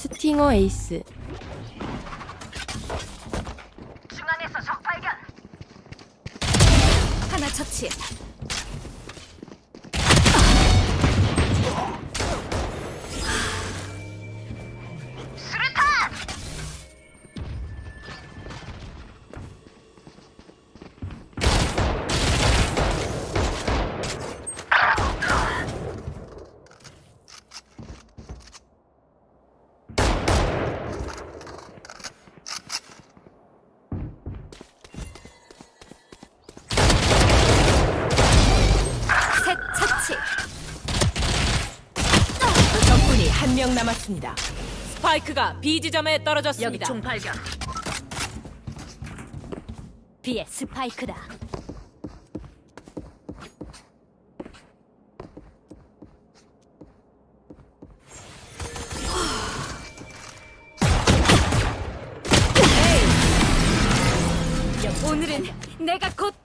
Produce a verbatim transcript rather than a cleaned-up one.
스팅어 에이스. 중앙에서 적 발견. 하나 처치. 수류탄. 셋 처치. 적군이 한 명 남았습니다. 스파이크가 B 지점에 떨어졌습니다. 총 발견. B의 스파이크다. 오늘은 내가 곧